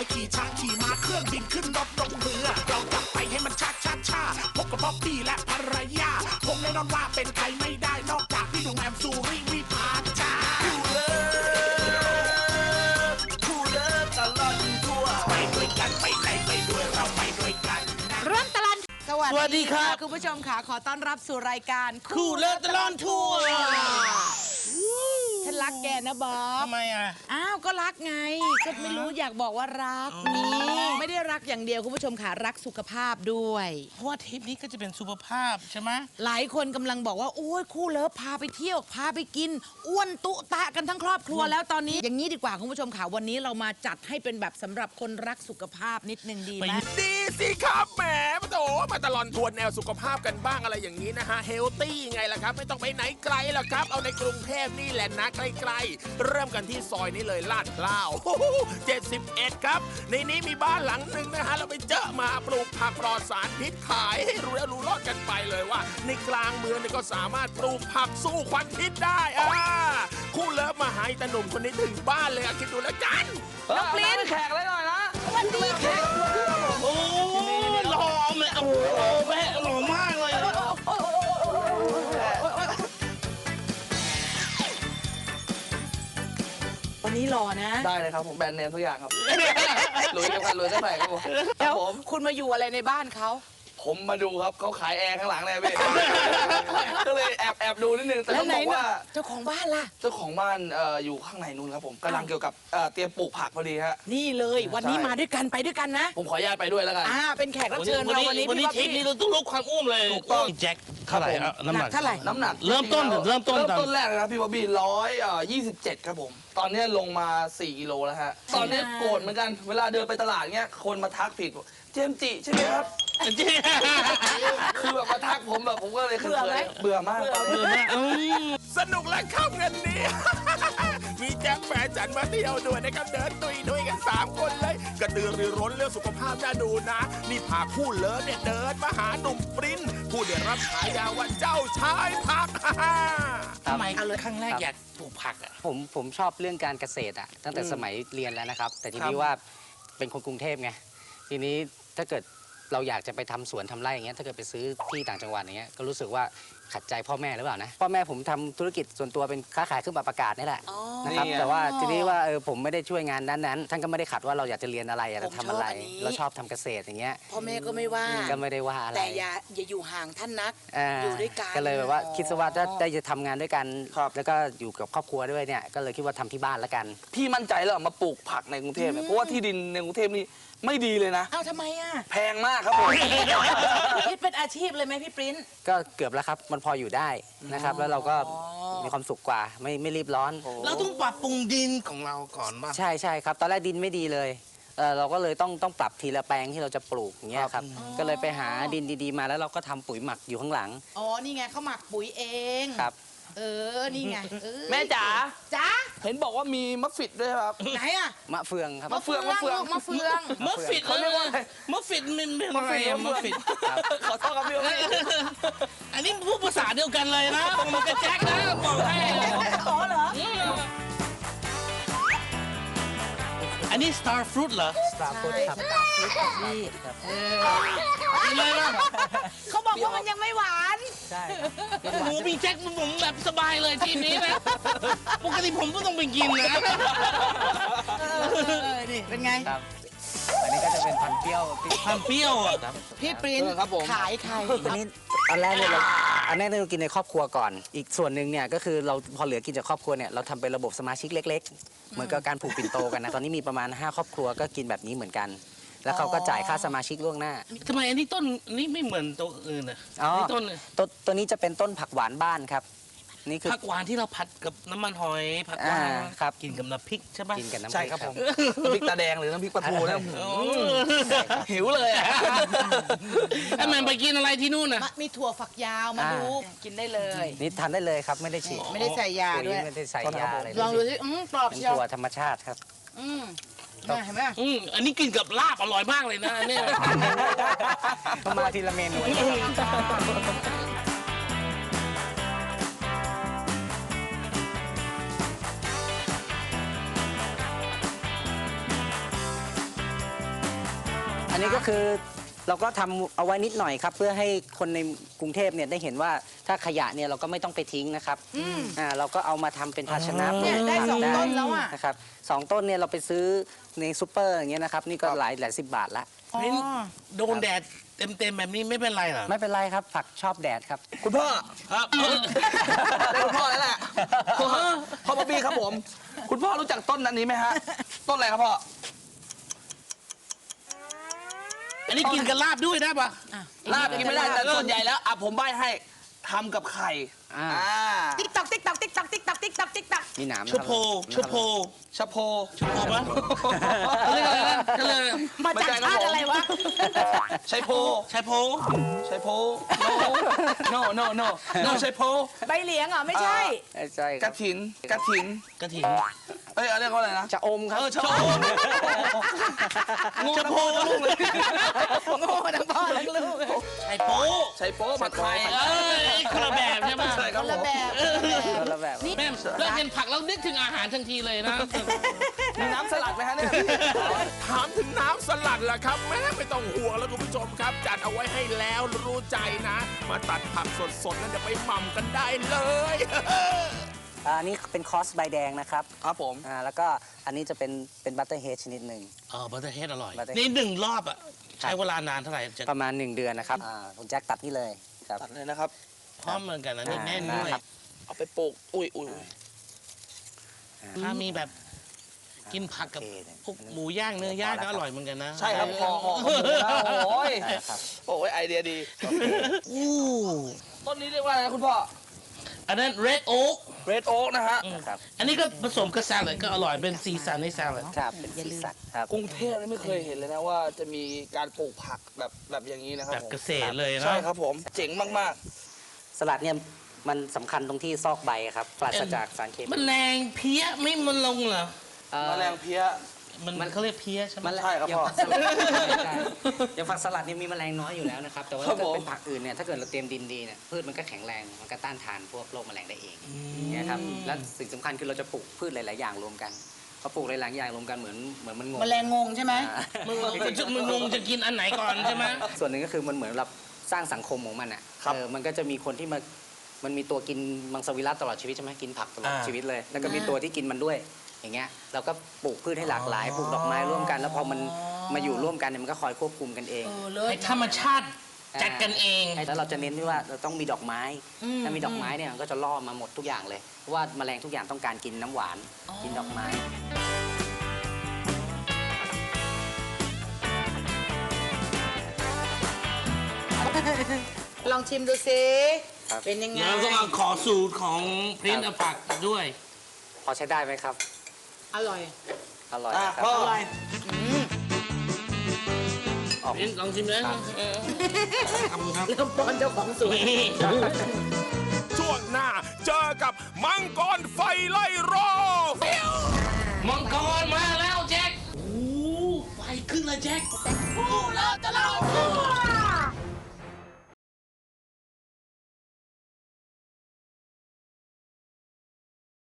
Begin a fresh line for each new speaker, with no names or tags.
ขี่ช้างขี่ม้าเครื่องบินขึ้นรถลงเรือเราจะไปให้มันช้าช้าช้าพบกับบ๊อบบี้และภรรยาคงแน่นอนว่าเป็นใครไม่ได้นอกจากพี่หนุ่มแอมซูริวิภาจ้าคู่เลิฟตลอดทั่วไปด้วยกันไปไหนไปด้วยเราไปด้วยกัน
เริ่มตลอด
สวัสดีครับ
คุณผู้ชมค่ะขอต้อนรับสู่รายการ
คู่เลิฟตลอดทั่ว
ฉันรักแกนะบ๊อบ
ทำไมอ่ะ
อ้าวก็รักไงก็ไม่รู้อยากบอกว่ารักนี่ไม่ได้รักอย่างเดียวคุณผู้ชมค่ะรักสุขภาพด้วย
เพราะว่าทริปนี้ก็จะเป็นสุขภาพใช่ไหม
หลายคนกำลังบอกว่าโอ้ยคู่เลิฟพาไปเที่ยวพาไปกินอ้วนตุตะกันทั้งครอบครัวแล้วตอนนี้อย่างนี้ดีกว่าคุณผู้ชมค่ะวันนี้เรามาจัดให้เป็นแบบสำหรับคนรักสุขภาพนิดนึงดีไหม
ดีสิครับแหมมาโถมาตลอดทวนแนวสุขภาพกันบ้างอะไรอย่างนี้นะฮะเฮลตี้ไงล่ะครับไม่ต้องไปไหนไกลหรอกครับเอาในกรุงเทพนี่แหละนะใกล้ๆเริ่มกันที่ซอยนี้เลยลาดพร้าว71ครับในนี้มีบ้านหลังหนึ่งนะฮะเราไปเจอมาปลูกผักปลอดสารพิษขายให้รู้แล้วรู้รอดกันไปเลยว่าในกลางเมืองนี่ก็สามารถปลูกผักสู้ควันพิษได้คู่เลิฟมาหาตาหนุ่มคนนี้ถึงบ้านเลยคิดดูแล้วกัน
น้องปลิ้น
แขกเลยหน่อยนะ
วันดีแขก
โอ้หล่อเลยโอ้แม่หล่อมากเลย
วันนี้หล่อนะ
ได้เลยครับผมแบรนด์เนมทุกอย่างครับรวยกันรวยเท่าไหร่ครับผม
แล้วคุณมาอยู่อะไรในบ้านเขา
ผมมาดูครับเขาขายแอร์ข้างหลังเลยพี่ก็เลยแอบดูนิดนึงแต่ต้องบอกว่า
เจ้าของบ้านล่ะ
เจ้าของบ้านอยู่ข้างในนู้นครับผมกำลังเกี่ยวกับเตรียมปลูกผักพอดีฮะ
นี่เลยวันนี้มาด้วยกันไปด้วยกันนะ
ผมขออนุญาตไปด้วยแล้วกัน
เป็นแขกรับเชิญเราวันนี้
ทริปนี้เราต้องลดความอ้วนเลย
ถูกต้อง
แจ็คเท่าไหร่น้ำหนัก
เท่าไหร่
น้ำหนัก
เริ่มต้น
แรกนะครับพี่บ๊อบบี้127ครับผมตอนนี้ลงมา4 กิโลแล้วฮะตอนนี้โกรธเหมือนกันเวลาเดินไปตลาดเงี้ยคนมาทักผิดเจมจิใช่ไหมครับคือแบบมาทักผมแบบผมก็เลยเบื่อมาก
สนุกและเข้าเงินนี้มีแจ็คแฟนฉันมาเที่ยวด้วยนะครับเดินตุยด้วยกัน3 คนเลยกระตือรือร้นเรื่องสุขภาพน่าดูนะนี่พาคู่เลิฟเนี่ยเดินมาหาหนุ่มปริ้นผู้ได้รับฉายาว่าเจ้าชายผัก
ทำไมครั้งแรกอยากปลูกผักอ่ะ
ผมชอบเรื่องการเกษตรตั้งแต่สมัยเรียนแล้วนะครับแต่ทีนี้ว่าเป็นคนกรุงเทพไงทีนี้ถ้าเกิดเราอยากจะไปทำสวนทำไร่อย่างเงี้ยถ้าเกิดไปซื้อที่ต่างจังหวัดอย่างเงี้ยก็รู้สึกว่าขัดใจพ่อแม่หรือเปล่านะพ่อแม่ผมทำธุรกิจส่วนตัวเป็นค้าขายเครื่องปรับอากาศนี่แหละนะครับแต่ว่าทีนี้ว่าผมไม่ได้ช่วยงานนั้นท่านก็ไม่ได้ขัดว่าเราอยากจะเรียนอะไรอยากจะทำอะไรเราชอบทำเกษตรอย่างเงี้ย
พ่อแม่ก็ไม่ว่า
ก็ไม่ได้ว่าอะไร
แต่อย่าอยู่ห่างท่านนักอยู่ด้วยกัน
ก็เลยแบบว่าคิดซะว่าถ้าได้จะทำงานด้วยกันแล้วก็อยู่กับครอบครัวด้วยเนี่ยก็เลยคิดว่าทำที่บ้านแล้วกัน
พี่มั่นใจแล้วมาปลูกผักในกรุงเทพเพราะว่าที่ดินในกรุงเทพนี่ไม่ดีเลยนะ
ทำไม
แพงมากครับผม
คิดเป็นอาชีพเลยไหมพี่ปริ้น
ก็เกือบแล้วครับมันพออยู่ได้นะครับแล้วเราก็มีความสุขกว่าไม่รีบร้อน
เราต้องปรับปรุงดินของเราก่อนบ้าง
ใช่ครับตอนแรกดินไม่ดีเลยเราก็เลยต้องปรับทีละแปลงที่เราจะปลูกอย่างเงี้ยครับก็เลยไปหาดินดีๆมาแล้วเราก็ทำปุ๋ยหมักอยู่ข้างหลัง
นี่ไงเขาหมักปุ๋ยเอง
ครับ
นี่ไง
แม่จ๋าเห็นบอกว่ามีมะฟิดด้วยครับ
ไหน
มะเฟืองครับ
มะเฟือง
มะฟิดเขาเรียกว่ามะฟิดมันเป็นอะไรมะฟิด
ขอโทษครับพี่
อันนี้พูดภาษาเดียวกันเลยนะมันกระแจ็คนะบอกให้
เหรอ
อันนี้ Star Fruit เหรอ
Star Fruit ครับ
Star Fruit นี่
เลยนะ
เขาบอกว่ามันยังไม่หวาน
ใช่
โอ้โหพี่แจ็คผมแบบสบายเลยทีนี้นะปกติผมก็ต้องไปกินนะ
นี่เป็นไง
อันนี้ก็จะเป็นพันเปรี้ยว
พี่ปริ้นขายใคร
อันแรกเรากินในครอบครัวก่อนอีกส่วนหนึ่งเนี่ยก็คือเราพอเหลือกินจากครอบครัวเนี่ยเราทำเป็นระบบสมาชิกเล็กๆเหมือนกับการผูกปิ่นโตกันนะตอนนี้มีประมาณ5 ครอบครัวก็กินแบบนี้เหมือนกันแล้วเขาก็จ่ายค่าสมาชิกล่วงหน้า
ทำไมอันนี้ต้นนี้ไม่เหมือนตัวอื่นอ่ะ
ตัวนี้จะเป็นต้นผักหวานบ้านครับนี่คือ
ผักหวานที่เราผัดกับน้ำมันหอยผักหวาน
ครับ
กินกับน้ำพริกใช่ไหม
กินกับน้ำพริก
ใช่ครับผมน้ำพริกตาแดงหรือน้ำพริกปลาทูนะหิวเลย
ไอ้แม่ไปกินอะไรที่นู่นน่ะ
มีถั่วฝักยาวมาดูกินได้เลย
นี่ทานได้เลยครับไม่ได้ฉีด
ไม่ได้ใส่ยาด้วย
ไม่ได้ใส่ยาอะไร
ลองดูสิกรอบ
เป็นถั่วธรรมชาติครับ
เห็นไหม
อันนี้กินกับลาบอร่อยมากเลยนะเนี่ย
มาทีละเมนูอันนี้ก็คือเราก็ทำเอาไว้นิดหน่อยครับ เพื่อให้คนในกรุงเทพเนี่ยได้เห็นว่าถ้าขยะเนี่ยเราก็ไม่ต้องไปทิ้งนะครับเราก็เอามาทำเป็นภาชนะ
เนี่ยได้
ปลูกผัก
2 ต้นแล้วอ่ะ
นะครับ2 ต้นเนี่ยเราไปซื้อในซูเปอร์อย่างเงี้ยนะครับนี่ก็หลายสิบบาทละ
อ๋อ
นี่โดนแดดเต็มๆแบบนี้ไม่เป็นไรเหรอ
ไม่เป็นไรครับผักชอบแดดครับ
คุณพ่อ
ครับ
ได้คุณพ่อแล้วแหละพ่อบ๊อบบี้ครับผม คุณพ่อรู้จักต้นนั้นนี้ไหมฮะ ต้นอะไรครับพ่อ
อันนี้กินกับลาบด้วยได้ปะ
ลาบกินไม่ได้แต่ส่วนใหญ่แล้วผมใบ้ให้ทำกับไข่
อ่า
ติ๊กตอกติ๊กตอกติ๊กตอกติ๊กตอกติ๊กตอกติ๊กตอก
มีหนาม
ชะโพชะโพ
ชะโพ
ชะโพปะเขาเรียกอะไรนะก็เลย
มาจากชาติอะไรวะ
ชัยโพ
ชะโพ
ชัยโพ no no no no no ชัยโพ
ใบเหลียงเหรอไม่ใช่
ใช่
กระถินกระถิน
กระถิ่น
เอ้ยเรียกว่าอะไรนะ
จะอมครับ
ชะโพงู
ชะ
ชะ
โพ
โพลูกเลย
โง่ทั้งพ่อทั้งลูก
ไอ้โป๊
ชัยโพผัดไทย
เอ้ยคนละแบบใช่ปะ
ใช่ครับ
คน
ผ
ละ
ม
แบบ
คนละแบบ
นี่
แม่เริ่มเห็นผักแล้วนึกถึงอาหารทันทีเลยนะ
มีน้ำสลัดไหมฮะเนี่ย
ถามถึงน้ำสลัดล่ะครับแม่ไม่ต้องห่วงแล้วคุณผู้ชมครับ จัดเอาไว้ให้แล้วรู้ใจนะ มาตัดผักสดๆนั่นเดี๋ยวไปหม่ำกันได้เลย
อันนี้เป็นคอสใบแดงนะครับ
ครับผม
แล้วก็อันนี้จะเป็นบัตเตอร์เฮดชนิดหนึ่ง
บัตเตอร์เฮดอร่อย
Butterhead
นี่1 รอบอ่ะ ใช้เวลานานเท่าไหร่จะ
ประมาณ 1 เดือนนะครับคุณแจ็คตัดนี่เลยครับ
ตัดเลยนะครับ
พร้อมเหมือนกันนะนี่แน่นด้วย
ครับ
เอาไปปลูก อุ้ย
ถ้ามีแบบกินผักกับพวกหมูย่างเนื้อย่างก็อร่อยเหมือนกันนะ
ใช่ครับห่อหมูนะโอ้ย
ครับ
โอ้ยไอเดียดี
อู้
ต้นนี้เรียกว่าอะไรนะคุณพ่อ
อันนั้น red oak
เรดโอ๊กนะฮะ
ครับ
อันนี้ก็ผสมกับแซลัดก็อร่อยเป็นสีสันในแซลัด
ครับเป็นสีสันครับ
กรุงเทพนี่ไม่เคยเห็นเลยนะว่าจะมีการปลูกผักแบบอย่างนี้นะครับ
แบบ
ผม
เกษตรเลยนะ
ใช่ครับผม เจ๋งมาก
สลัดเนี่ยมันสำคัญตรงที่ซอกใบครับปราศจากสารเคมี
มันแรงเพี้ยไม่มันลงเหรอ
ๆ แมลงเพี้ย
มันเขาเรียกเพี้ยใช่ไหม
ใช่ครับพ่อ
อย่างผักสลัดเนี่ยมีแมลงน้อยอยู่แล้วนะครับ แต่ว่า
ครั
ถ้า
บ
เกิด
ผม
เป็นผักอื่นเนี่ยถ้าเกิดเราเตรียมดินดีเนี่ยพืชมันก็แข็งแรงมันก็ต้านทานพวกโรคแมลงได้เองเนี่ยครับและสิ่งสำคัญคือเราจะปลูกพืชหลาย ๆ อย่างรวมกันพอปลูกหลาย ๆ อย่างรวมกันเหมือนมันงง
แมลงงงใช่ไหม
มึงงงจะกินอันไหนก่อนใช่ไหม
ส่วนหนึ่งก็คือมันเหมือนเราสร้างสังคมของมันอ่ะมันก็จะมีคนที่มันมีตัวกินมังสวิรัติตลอดชีวิตใช่ไหมกินผักตลอดชีวิตเลย แล้วก็มีตัวที่กินมันด้วยอย่างเงี้ยเราก็ปลูกพืชให้หลากหลายปลูกดอกไม้ร่วมกัน แล้วพอมันมาอยู่ร่วมกันเนี่ยมันก็คอยควบคุมกันเอง
ให้ธรรมชาติจัดกันเอง
แล้วเราจะเน้นที่ว่าเราต้องมีดอกไม้ ถ้ามีดอกไม้เนี่ยมันก็จะล่อมาหมดทุกอย่างเลย เพราะว่าแมลงทุกอย่างต้องการกินน้ำหวาน กินดอกไม้
ลองชิมดูสิ
ครับ
เป็นยังไง
เราต้องเอาขอสูตรของพรินอผักด้วย
พอใช้ได้ไหมครับ
อร่อย
อร่อย
อ่ะ
ครับ
พ่อ
อร่อย
ออก
พรินลองชิมเลยขอบคุณครับ
เริ่มป้อนเจ้าของสวน
ช่วงหน้าเจอกับมังกรไฟไล่รอบ